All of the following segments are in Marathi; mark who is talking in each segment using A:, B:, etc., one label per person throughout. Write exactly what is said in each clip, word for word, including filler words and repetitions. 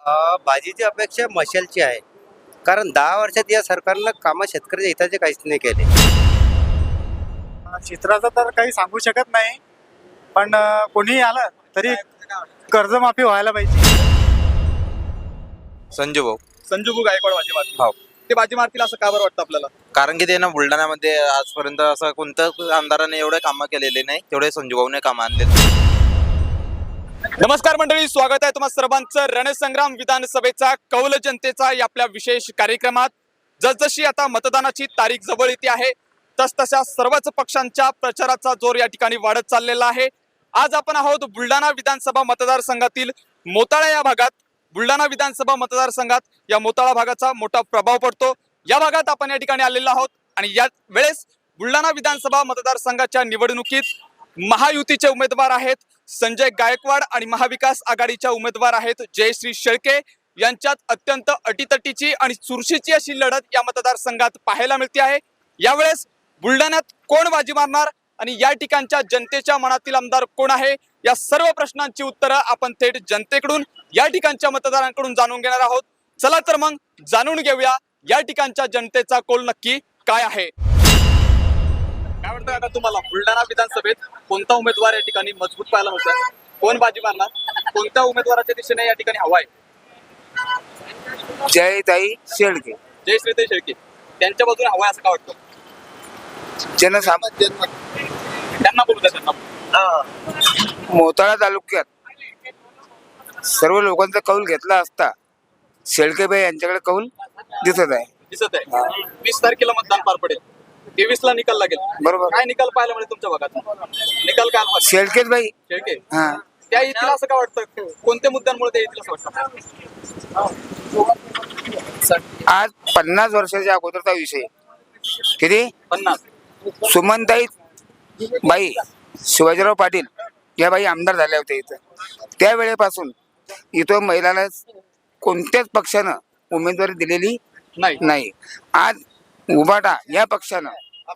A: अ, भाजीची अपेक्षा मशालची आहे. कारण दहा वर्षात या सरकारनं कामं शेतकऱ्याच्या हिताचे काहीच नाही केले.
B: चित्राचं तर काही सांगू शकत नाही, पण अ, कोणीही आलं तरी कर्जमाफी व्हायला पाहिजे.
C: संजू भाऊ.
D: संजू भाऊ गायकवाड बाजी मारतील.
C: हो.
D: ते बाजी मारतील असं का बरं वाटतं आपल्याला?
C: कारण की ते ना बुलढाण्यामध्ये आजपर्यंत असं कोणत्याच आमदाराने एवढे कामं केलेले नाही तेवढे संजू भाऊने कामं आणले.
D: नमस्कार मंडळी, स्वागत आहे तुम्हा सर्वांचं रणसंग्राम विधानसभेचा कौल जनतेचा या आपल्या विशेष कार्यक्रमात. जसजशी आता मतदानाची तारीख जवळ येते आहे तसतशा सर्वच पक्षांच्या प्रचाराचा जोर या ठिकाणी वाढत चाललेला आहे. आज आपण आहोत बुलढाणा विधानसभा मतदारसंघातील मोताळा या भागात. बुलढाणा विधानसभा मतदारसंघात या मोताळा भागाचा मोठा प्रभाव पडतो. या भागात आपण या ठिकाणी आलेलो आहोत आणि या वेळेस बुलढाणा विधानसभा मतदारसंघाच्या निवडणुकीत महायुतीचे उमेदवार आहेत संजय गायकवाड आणि महाविकास आघाडीच्या उमेदवार आहेत जयश्री शेळके. यांच्यात अत्यंत अटीतटीची आणि चुरशीची अशी लढत या मतदारसंघात पाहायला मिळते आहे. यावेळेस बुलढाण्यात कोण बाजी मारणार आणि या ठिकाणच्या जनतेच्या मनातील आमदार कोण आहे या सर्व प्रश्नांची उत्तरं आपण थेट जनतेकडून या ठिकाणच्या मतदारांकडून जाणून घेणार आहोत. चला तर मग जाणून घेऊया या ठिकाणच्या जनतेचा कौल नक्की काय आहे. काय वाटतं आता तुम्हाला बुलढाणा विधानसभेत कोणता उमेदवार या ठिकाणी मजबूत पाहायला मिळतोय? कोण बाजी मारणार? कोणत्या उमेदवाराच्या दिशेने या ठिकाणी हवा आहे?
E: जयताई शेळके.
D: जयश्रीताई शेळके त्यांच्या बाजूने हवा आहे असं का वाटतं?
E: जनसामान्य
D: त्यांना बोलू द्या. त्यांना
E: मोताळा तालुक्यात सर्व लोकांचा कौल घेतला असता शेळकेबाई यांच्याकडे कौल दिसत आहे.
D: दिसत आहे. वीस तारखेला मतदान पार पडेल. तेवीस ला निकाल लागेल.
E: बरोबर.
D: काय निकाल पाहायला मिळेल तुमच्या भागात? निकाल काय पाहिजे?
E: शेळकेच बाई.
D: शेळके
E: हा
D: त्या येतील असं का वाटतं? कोणत्या मुद्द्यांमुळे ते येतील असं वाटतं?
E: आज पन्नास वर्षाच्या अगोदरचा विषय. किती?
D: पन्नास.
E: सुमनताई बाई शिवाजीराव पाटील या बाई आमदार झाल्या होत्या इथं. त्यावेळेपासून इथं महिलाला कोणत्याच पक्षानं उमेदवारी दिलेली
D: नाही.
E: नाही. आज उबाटा या पक्षानं,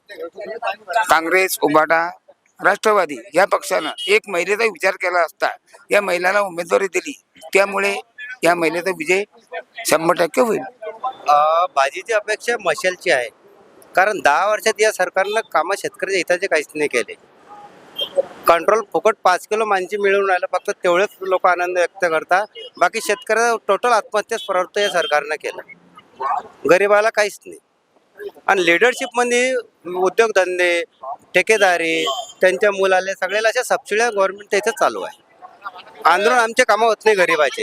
E: काँग्रेस, उबाटा, राष्ट्रवादी या पक्षानं एक महिलेचा विचार केला असता या महिलाला उमेदवारी दिली. त्यामुळे या महिलेचा विजय शंभर टक्के होईल.
A: अ, भाजीची अपेक्षा मशालची आहे. कारण दहा वर्षात या सरकारनं कामं शेतकऱ्याच्या हिताचे काहीच नाही केले. कंट्रोल फुकट पाच किलो मांजी मिळून राहिलं, फक्त तेवढेच लोक आनंद व्यक्त करतात. बाकी शेतकऱ्याचा टोटल आत्महत्याच प्रवृत्त या सरकारनं केलं. गरिबाला काहीच नाही. आणि लिडरशिपमध्ये उद्योगधंदे, ठेकेदारी, त्यांच्या मुलाले सगळ्याला अशा सबसिड्या गव्हर्नमेंट त्याचं चालू आहे. आंदोलन आमचे कामं होत नाही गरिबाचे.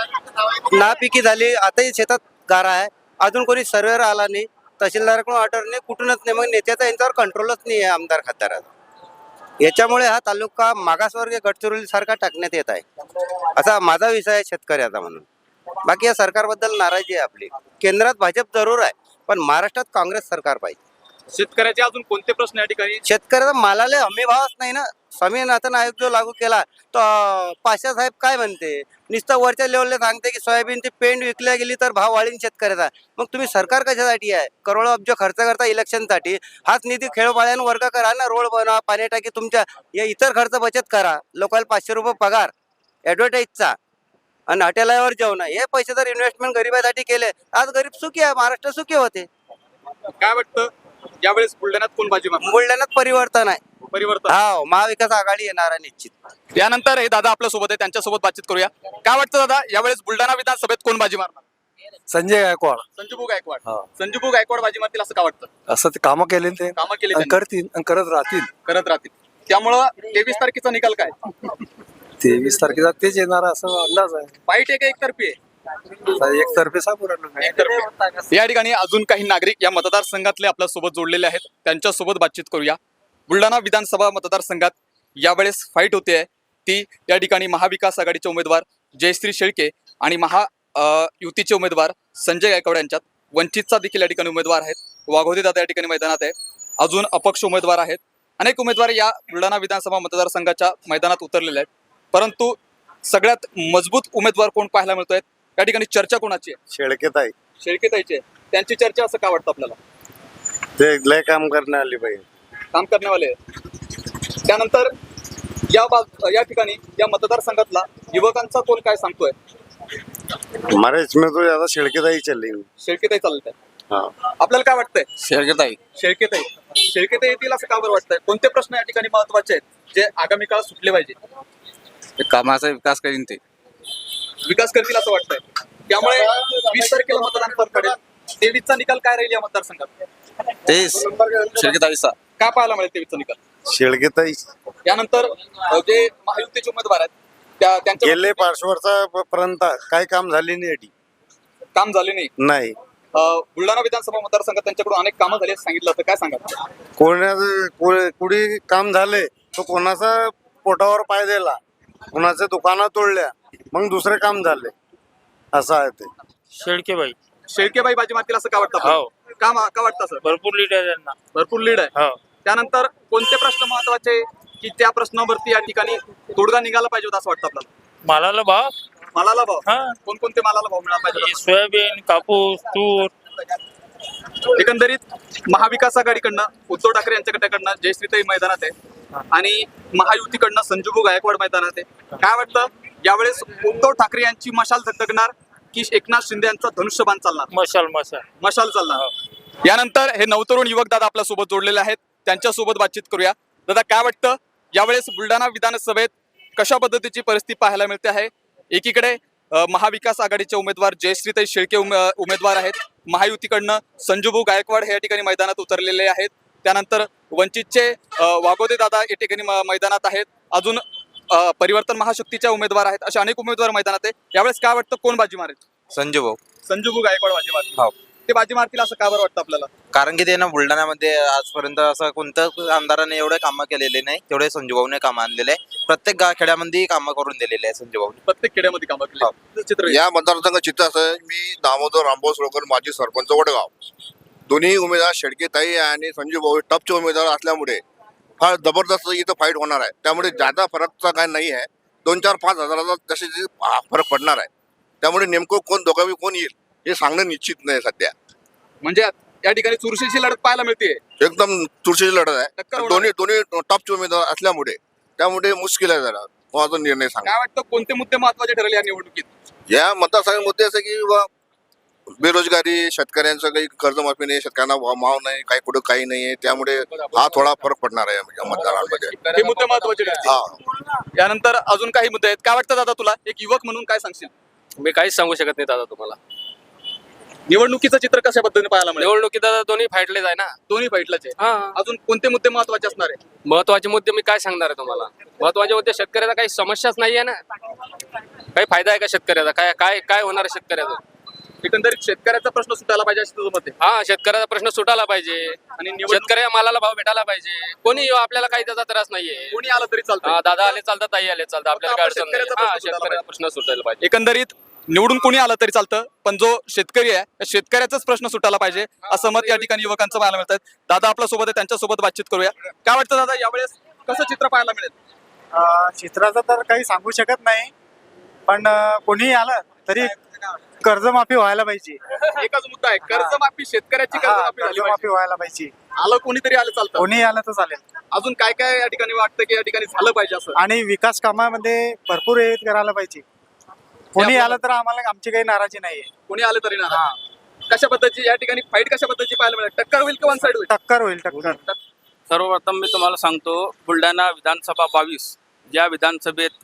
A: नापिकी झाली, आताही शेतात गारा आहे, अजून कोणी सर्वेवर आला नाही, तहसीलदाराकडून ऑर्डर नाही, कुठूनच नाही. मग नेत्याचा यांच्यावर कंट्रोलच नाही आहे आमदार खासदाराचा. याच्यामुळे हा तालुका मागासवर्गीय गडचिरोली सारखा टाकण्यात येत आहे असा माझा विषय आहे शेतकऱ्याचा. म्हणून बाकी या सरकारबद्दल नाराजी आहे आपली. केंद्रात भाजप जरूर आहे, पण महाराष्ट्रात काँग्रेस सरकार पाहिजे.
D: शेतकऱ्याचे अजून कोणते प्रश्न या ठिकाणी?
A: शेतकऱ्याचा मालाला हमी भावच नाही ना. स्वामीनाथन आयोग जो लागू केला तो पाशा साहेब काय म्हणते, नुसतं वरच्या लेवलला सांगते की सोयाबीनची पेंड विकल्या गेली तर भाव वाढीन शेतकऱ्याचा. मग तुम्ही सरकार कशासाठी आहे? करोडो अब्ज खर्च करता इलेक्शनसाठी. हाच निधी खेळोपाळ्यानं वर्ग करा ना, रोड बनवा, पाणी टाकी, तुमच्या या इतर खर्च बचत करा. लोकांना पाचशे रुपये पगार ॲडव्हर्टाईजचा आणि हॉटेलावर जेवण, हे पैसे जर इन्व्हेस्टमेंट गरिबासाठी केले आज गरीब सुखी आहे, महाराष्ट्र सुखी होते.
D: काय वाटतं यावेळेस बुलढाण्यात कोण बाजी मारणार?
A: बुलढाण्यात परिवर्तन आहे.
D: परिवर्तन.
A: हा, महाविकास आघाडी येणार आहे निश्चित.
D: यानंतर हे दादा आपल्या सोबत आहे, त्यांच्यासोबत बातचीत करूया. काय वाटतं दादा यावेळेस बुलढाणा विधानसभेत कोण बाजी मारणार?
F: संजय गायकवाड.
D: संजूभाऊ गायकवाड.
F: हा.
D: संजूभाऊ गायकवाड बाजी मारतील असं का वाटतं?
F: असं ते कामं केले ते
D: कामं केली
F: आणि
D: त्यांनी.
F: करतील आणि करत राहतील.
D: करत राहतील. त्यामुळं तेवीस तारखेचा निकाल काय?
F: तेवीस तारखेला तेच येणार असं अंदाज आहे.
D: वाईट आहे का एकतर्फी आहे?
F: एकतर्फे सांगू राहिलो मी.
D: एकतर्फी. या ठिकाणी अजून काही नागरिक या मतदारसंघातले आपल्या सोबत जोडलेले आहेत, त्यांच्यासोबत बातचीत करूया. बुलढाणा विधानसभा मतदारसंघात यावेळेस फाईट होते आहे ती या ठिकाणी महाविकास आघाडीचे उमेदवार जयश्री शेळके आणि महा अ, युतीचे उमेदवार संजय गायकवाड यांच्यात. वंचितचा देखील या ठिकाणी उमेदवार आहेत. वाघोदे दादा या ठिकाणी मैदानात आहे. अजून अपक्ष उमेदवार आहेत. अनेक उमेदवार या बुलढाणा विधानसभा मतदारसंघाच्या मैदानात उतरलेले आहेत. परंतु सगळ्यात मजबूत उमेदवार कोण पाहायला मिळतोय? या ठिकाणी चर्चा कोणाची आहे?
B: शेळकेताई.
D: शेळकेताईची आहे. त्यांची चर्चा असं का वाटतं आपल्याला?
B: ते लय काम करणे आली पाहिजे.
D: काम करण्यावाले आहे. त्यानंतर या बाब या ठिकाणी या मतदारसंघातला युवकांचा कोण काय सांगतोय?
G: हमारे इसमें तो ज्यादा छिड़केदाई चलेंगे।
D: शेळकेताई चालत आहे
G: हाँ
D: आपल्याला काय वाटतंय
C: शेळकेताई
D: शेळकेताई शेळकेताई येतील असं का बरं वाटतंय कोणते प्रश्न या ठिकाणी महत्वाचे आहेत जे आगामी काळात सुटले पाहिजे
C: कामाचा विकास करीन ते
D: विकास करतील असं वाटतंय त्यामुळे वीस तारखेला मतदान पार पडेल तेवीसचा निकाल काय राहील या मतदारसंघात
C: तेच शेळकेताईचा
D: काय पाहायला मिळेल तेवीसचा निकाल
G: छिड़केदाई
D: यानंतर अ, जे महायुतीचे उमेदवार आहेत त्या त्यांच्या
G: गेले पाच वर्षापर्यंत काय काम झाले नाही याची.
D: काम झाले नाही
G: नाही
D: अ, बुलढाणा विधानसभा मतदारसंघात त्यांच्याकडून अनेक कामं झाली असं सांगितलं तर काय सांगा
G: कोणाचं को- कुणी काम झाले तो कोणाचा पोटावर पाय दिला कोणाच्या दुकानात तोडल्या मग दुसरे काम झाले असं आहे ते.
H: शेळकेबाई
D: शेळकेबाई बाजी मारतील असं का वाटतं आपल्याला?
H: हो.
D: का मा- का वाटतं असं
H: भरपूर लीड आहे त्यांना
D: भरपूर लीड आहे
H: हो
D: त्यानंतर कोणते प्रश्न महत्वाचे की त्या प्रश्नावरती या ठिकाणी तोडगा निघाला पाहिजे होता असं वाटतं आपल्याला
H: मालाला भाव
D: मालाला भाव
H: हा
D: कोणकोणते मालाला भाव मिळाला पाहिजे होता?
H: सोयाबीन कापूस तूर
D: एकंदरीत महाविकास आघाडीकडनं उद्धव ठाकरे यांच्याकडनं जयश्रीताई मैदानात आहे आणि महायुतीकडनं संजूभाऊ गायकवाड मैदानात आहे काय वाटतं यावेळेस उद्धव ठाकरे यांची मशाल झगझगणार की एकनाथ शिंदे यांचा धनुष्यबाण चालणार
H: मशाल मशाल
D: मशाल चालणार यानंतर हे नवतरुण युवक दादा आपल्या सोबत जोडलेले आहेत त्यांच्या सोबत बातचीत करूया दादा काय वाटतं यावेळेस बुलढाणा विधानसभेत कशा पद्धतीची परिस्थिती पाहायला मिळते आहे एकीकडे अ, महाविकास आघाडीचे उमेदवार जयश्रीताई शेळके उमे उमेदवार आहेत महायुतीकडनं संजूभाऊ गायकवाड हे या ठिकाणी मैदानात उतरलेले आहेत त्यानंतर वंचितचे अ, वागोदे दादा या ठिकाणी म- मैदानात आहेत अजून अ, परिवर्तन महाशक्तीच्या उमेदवार आहेत असे अनेक उमेदवार मैदानात आहे यावेळेस काय वाटतं कोण बाजी मारेल
C: संजू भाऊ
D: संजूभाऊ गायकवाड बाजी मारतील
C: हो.
D: ते बाजी मारतील असं का बरं वाटतं आपल्याला
C: कारण की ते ना बुलढाण्यामध्ये आजपर्यंत असं कोणतं आमदाराने एवढे कामं केलेले नाही तेवढे संजू भाऊने काम आणलेले आहे प्रत्येक गा खेड्यामध्ये कामं करून दिलेले आहे संजू भाऊने
D: प्रत्येक खेड्यामध्ये कामं केली चित्र
I: या मतदारसंघ चित्र असं आहे, मी दामोदर रामभाऊ सोळकर माजी सरपंच वडगाव दोन्ही उमेदवार शेळकेताई आणि संजू भाऊ टपचे उमेदवार असल्यामुळे फार जबरदस्त इथं फाईट होणार आहे त्यामुळे जादा फरकचा काय नाही आहे दोन चार पाच हजाराचा तसे जे फरक पडणार आहे त्यामुळे नेमकं कोण दोघावी कोण येईल हे सांगणं निश्चित नाही सध्या
D: म्हणजे या ठिकाणी चुरशीची लढत पाहायला मिळते
I: एकदम तुळशीची लढत
D: टक्कर
I: आहे
D: होणार
I: दोन्ही दोन्ही टॉपचे उमेदवार असल्यामुळे त्यामुळे मुश्किल आहे जरा माझा निर्णय सांगा
D: काय वाटतं कोणते मुद्दे महत्वाचे ठरले या निवडणुकीत
I: या मतदारसंघात मुद्दे असे की बा बेरोजगारी शेतकऱ्यांचं काही कर्जमाफी नाही शेतकऱ्यांना भाव भाव नाही काही कुठं काही नाही आहे त्यामुळे हा थोडा फरक पडणार आहे या मतदारांमध्ये
D: हे मुद्दे महत्वाचे ठरले
I: हा
D: यानंतर अजून काही मुद्दे आहेत काय वाटतं दादा तुला एक युवक म्हणून काय सांगशील
J: मी काहीच सांगू शकत नाही दादा तुम्हाला
D: निवडणुकीचं चित्र कशा पद्धतीने पाहायला मिळेल
J: निवडणुकीत दादा दोन्ही फाईटलेच आहे ना
D: दोन्ही फाईटलाच आहे
J: हा
D: अजून कोणते मुद्दे महत्वाचे असणार आहे
J: महत्वाचे मुद्दे मी काय सांगणार आहे तुम्हाला महत्वाचे मुद्दे शेतकऱ्याचा काही समस्याच नाही आहे ना काही फायदा आहे का शेतकऱ्याचा काय काय काय होणार आहे शेतकऱ्याचा
D: एकंदरीत शेतकऱ्याचा प्रश्न सुटायला पाहिजे असं तुझं मत आहे
J: हा शेतकऱ्याचा प्रश्न सुटायला पाहिजे
D: आणि निवडणूक
J: शेतकऱ्या मालाला भाव भेटायला पाहिजे कोणी येऊ, आपल्याला काही त्याचा त्रास नाहीये
D: कोणी आलं तरी चालतं
J: हा, दादा आले चालतात ताई आले चालतात आपल्याला काय
D: फक्त
J: अडचण नाही.
D: शेतकऱ्याचा
J: हा
D: प्रश्न सुटायला
J: शेतकऱ्याचा प्रश्न सुटायला पाहिजे
D: एकंदरीत निवडून कोणी आलं तरी चालतं पण जो शेतकरी आहे त्या शेतकऱ्याचाच प्रश्न सुटायला पाहिजे असं मत या ठिकाणी युवकांचं पाहायला मिळत आहे दादा आपल्या सोबत आहे त्यांच्यासोबत बातचीत करूया काय वाटतं दादा यावेळेस कसं चित्र पाहायला मिळेल
B: अं, चित्राचं तर काही सांगू शकत नाही पण अं, कोणीही आलं तरी कर्जमाफी व्हायला पाहिजे
D: एकच मुद्दा आहे कर्जमाफी शेतकऱ्याची
B: हा,
D: कर्जमाफी झाली
B: कर्जमाफी
D: पाहिजे.
B: व्हायला पाहिजे
D: आलं कोणीतरी आलं चालतं
B: कोणीही आलं तर चालेल
D: अजून काय काय या ठिकाणी वाटतं की या ठिकाणी झालं पाहिजे असं
B: आणि विकास कामामध्ये भरपूर हे करायला पाहिजे कोणी आलं तर आम्हाला आमची काही नाराजी नाहीये
D: कोणी आलं तरी ना कशा पद्धतीची या ठिकाणी फाईट कशा पद्धतीची पाहायला मिळेल टक्कर होईल का वन साइड होईल
B: टक्कर होईल टक्कर
J: सर्वप्रथम मी तुम्हाला सांगतो बुलढाणा विधानसभा बावीस या विधानसभेत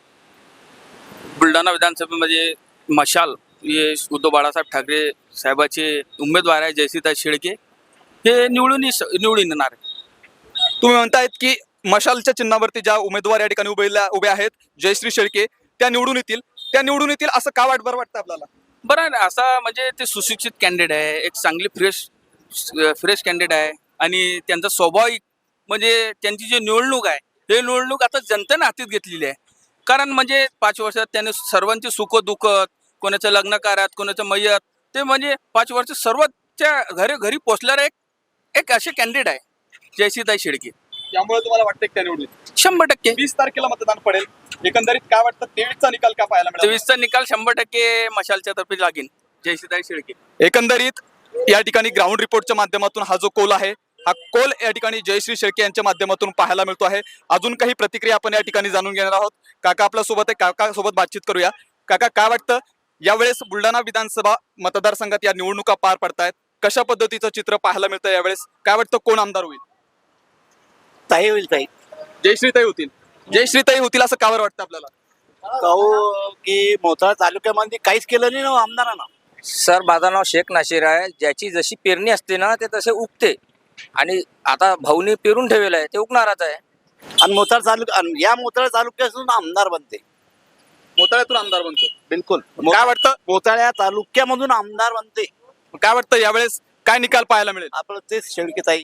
J: बुलढाणा विधानसभेमध्ये मशाल हे उद्धव बाळासाहेब ठाकरे साहेबाचे उमेदवार आहे जयश्रीताई शेळके हे निवडून येस- निवडून येणार आहे.
D: तुम्ही म्हणतायत की मशालच्या चिन्हावरती ज्या उमेदवार या ठिकाणी उभे उभे आहेत जयश्री शेळके त्या निवडून येतील त्या निवडून येतील असं का वाट बरं वाटतं आपल्याला
J: बरं आहे ना असा म्हणजे ते सुशिक्षित कॅन्डिडेट आहे एक चांगली फ्रेश फ्रेश कॅन्डिडेट आहे आणि त्यांचा स्वाभाविक म्हणजे त्यांची जी निवडणूक आहे हे निवडणूक आता जनतेने हातीत घेतलेली आहे कारण म्हणजे पाच वर्षात त्याने सर्वांचे सुख दुःख कोणाचं लग्न कार्यात कोणाचं मयत ते म्हणजे पाच वर्ष सर्वच्या घरी घरी पोचणारे एक एक असे कॅन्डिडेट आहे जयश्रीताई शेळके
D: त्यामुळे तुम्हाला वाटतं की त्या निवडून येतील?
J: शंभर टक्के
D: वीस तारखेला मतदान पडेल एकंदरीत काय वाटतं तेवीसचा निकाल काय पाहायला मिळेल
J: तेवीसचा निकाल शंभर टक्के मशालच्या तर्फे लागेल जयश्रीताई शेळके
D: एकंदरीत या ठिकाणी ग्राउंड रिपोर्टच्या माध्यमातून हा जो कोल आहे हा कोल या ठिकाणी जयश्री शेळके यांच्या माध्यमातून पाहायला मिळतो आहे अजून काही प्रतिक्रिया आपण या ठिकाणी जाणून घेणार आहोत काका आपल्या सोबत आहे काका सोबत बातचीत करूया काका काय वाटतं यावेळेस बुलढाणा विधानसभा मतदारसंघात या निवडणुका पार पडतायत. कशा पद्धतीचं चित्र पाहायला मिळतं यावेळेस? काय वाटतं, कोण आमदार होईल?
B: ताई होईल ताई
D: जयश्रीताई होतील. जयश्रीताई होतील असं का बरं वाटतं आपल्याला?
B: काऊ की मोताळा तालुक्यामध्ये काहीच केलं नाही ना आमदारांना.
J: सर माझं नाव शेख नाशिर आहे. ज्याची जशी पेरणी असते ना ते तसे उगते आणि आता भाऊनी पेरून ठेवलेलं आहे ते उगणारच आहे.
B: आणि मोताळा तालुका या मोताळा तालुक्यातून आमदार बनते.
D: मोताळ्यातून आमदार बनतो.
B: बिलकुल
D: काय वाटतं?
B: मोताळ्या तालुक्यामधून आमदार बनते.
D: काय वाटतं यावेळेस काय निकाल पाहायला मिळेल?
B: आपलं तेच शेळके ताई.